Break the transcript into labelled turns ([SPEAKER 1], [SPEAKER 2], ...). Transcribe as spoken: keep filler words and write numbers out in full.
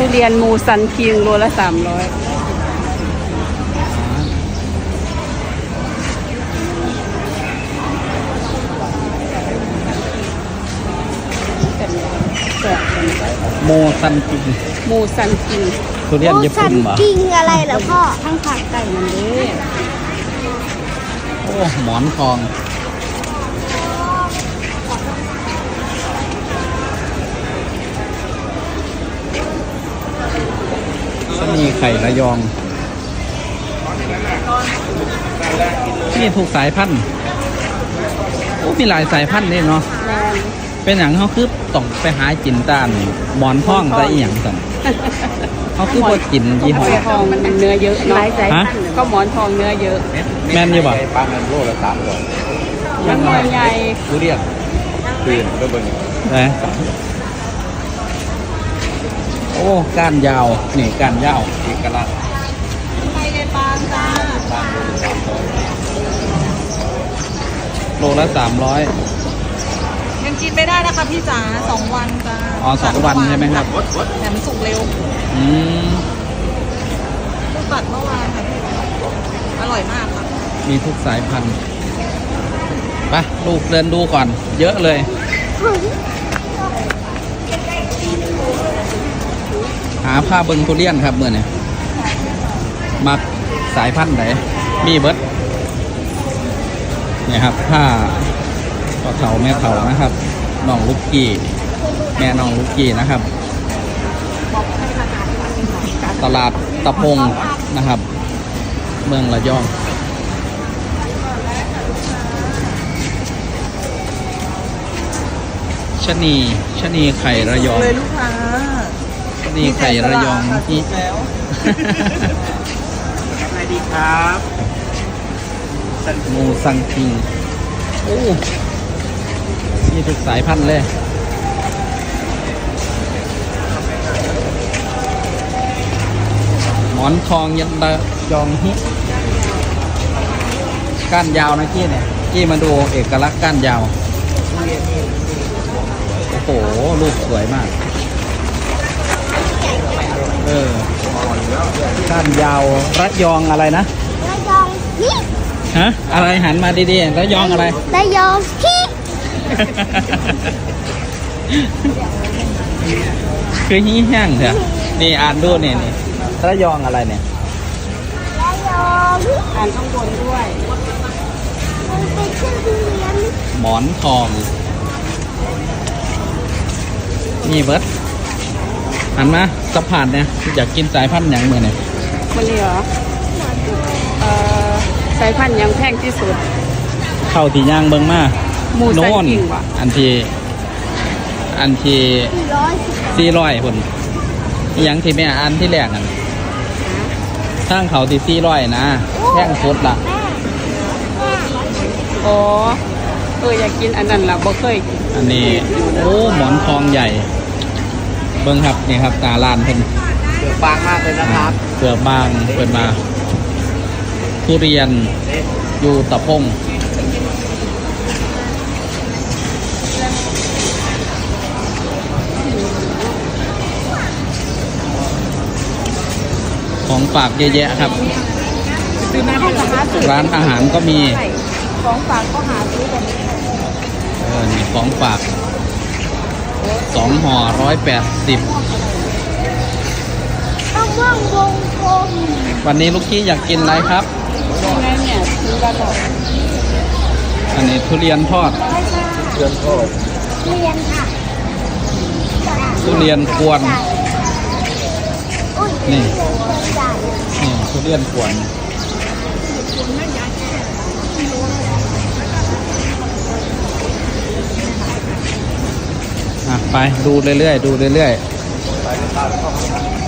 [SPEAKER 1] ทุเรียนมูซันคิงโลละสามร้อย
[SPEAKER 2] โมซันกิง
[SPEAKER 1] มูซันคิง
[SPEAKER 2] ทุเรียนญี่ปุ่นเหรอ
[SPEAKER 3] กิงอะไรเหรอพ่อ
[SPEAKER 1] ทั้งผักไก่มันเด้
[SPEAKER 2] โอ้หมอนทองก็มีไข่ระยองนี่ถูกสายพันธุ์โอ้มีหลายสายพันธุ์เลยเนาะ
[SPEAKER 1] แมน
[SPEAKER 2] เป็นอย่างเขาคือต้องไปหาจินตานหมอนทองแต่อีหยังสั่นเขาคือพอจินยี่ห้อ
[SPEAKER 1] หมอนทองมันเนื้อเยอะเนาะ
[SPEAKER 2] ฮะ
[SPEAKER 1] ก็หมอนทองเนื้อเยอะ
[SPEAKER 2] แม่นอยู่บ่
[SPEAKER 4] ปลาเงินโลละสามร้อย
[SPEAKER 1] มันหน่วยใหญ่
[SPEAKER 4] ทุเรียนคืนก็เบิ่ง
[SPEAKER 2] นะโอ้ก้านยาวนี่ก้านยาว
[SPEAKER 4] เอกลักษณ์
[SPEAKER 1] ไปเลยปางจ้า
[SPEAKER 2] โลละสามร้อย
[SPEAKER 5] ยังกินไม่ได้นะคะพี่จ๋าสองวันจ้า
[SPEAKER 2] อ๋อสองวันใช่ไหมครับ
[SPEAKER 5] แต่มันสุกเร็ว
[SPEAKER 2] อืม
[SPEAKER 5] เพิ่งตัดเมื่อวานค่ะพี่อร่อยมากค่ะ
[SPEAKER 2] มีทุกสายพันธุ์ไปลูกเดินดูก่อน เยอะเลย หาผ้าเบิงทุเรียนครับเมื่อนี้มักสายพันธุ์ไหนมีเบิร์ดเนี่ยครับผ้าพ่อเฒ่าแม่เฒ่านะครับน้องลูกกี้แม่น้องลูกกี้นะครับ ตลาดตะพงนะครับ เมืองระยองชะนีชะนีไข่ระยอง
[SPEAKER 5] เลยลูกค้า
[SPEAKER 2] ชะนีไข่ระยองที่
[SPEAKER 5] แล้ว
[SPEAKER 4] สวัสดีครับ
[SPEAKER 2] มูซังคิงโอ้มีทุกสายพันธุ์เลย หมอนทองยันตะยองฮิก้านยาวนะกี้เนี่ยกี้มาดูเอกลักษณ์ก้านยาว โอ้โห ลูกสวยมาก เออก้านยาวระยองอะไรนะ
[SPEAKER 3] ระยองฮิ
[SPEAKER 2] ฮะ อะไรหันมาดีๆระยองอะไร
[SPEAKER 3] ระยองฮิ
[SPEAKER 2] คือฮี้แห้งเถอะนี่อ่านดูเนี่ยนี่ระยองอะไรเนี่ย
[SPEAKER 3] ระยองฮิ
[SPEAKER 1] อ่านข้างบนด้วย
[SPEAKER 3] มันเป็นชื่อทุเรียน
[SPEAKER 2] หมอนทองนี่เบิร์ดหันมาสะพานเนี่ยอยากกินสายพันธุ์อย่างเมื่อเนี่ย
[SPEAKER 1] มันนี่เหรอเอ่อสายพันธุ์ยังแพงที่สุด
[SPEAKER 2] เข้าที่ย่างเบิงมา
[SPEAKER 1] หมูซัน
[SPEAKER 2] โน่น
[SPEAKER 1] คิงวะ
[SPEAKER 2] อันที่อันที่
[SPEAKER 3] สี่ร้อยสิบ
[SPEAKER 2] สี่ร้อยคนอหยังที่แม่อันที่แรกนั่นทางเขาที่สี่ร้อยนะแท่งสุดละ
[SPEAKER 3] แม่แม่
[SPEAKER 1] อ๋อเอออยากกินอันนั้นล่ะบ่เคยกิน
[SPEAKER 2] อันนี้โอ้หมอนทองใหญ่ เบิ้งครับนี่ครับตาลานเพิ่น
[SPEAKER 4] เดือบางมากเลยนะครับ
[SPEAKER 2] เปลือกบางเปิดมาทุเรียนอยู่ตะพงของฝากเยอะแยะครับ ร้านอาหารก็มี
[SPEAKER 1] ของฝากก็หาซื้อกัน
[SPEAKER 2] เออนี่ของฝากสองห่อร้อยแปดสิบ
[SPEAKER 3] ต้องว่างวงกลม
[SPEAKER 2] วันนี้ลูกกี้อยากกินอะไรครับ
[SPEAKER 1] ยังไงเนี่ยซื้อกันหรอ
[SPEAKER 2] อันนี้ทุเรียนทอด
[SPEAKER 4] เดือนโทษ
[SPEAKER 3] เรียนค่ะ
[SPEAKER 2] ทุเรียนกวน
[SPEAKER 3] อุ้ย
[SPEAKER 2] นี่
[SPEAKER 3] จ่าย
[SPEAKER 2] นี่ทุเรียนกวนอ่ะไปดูเรื่อยๆดูเรื่อยๆ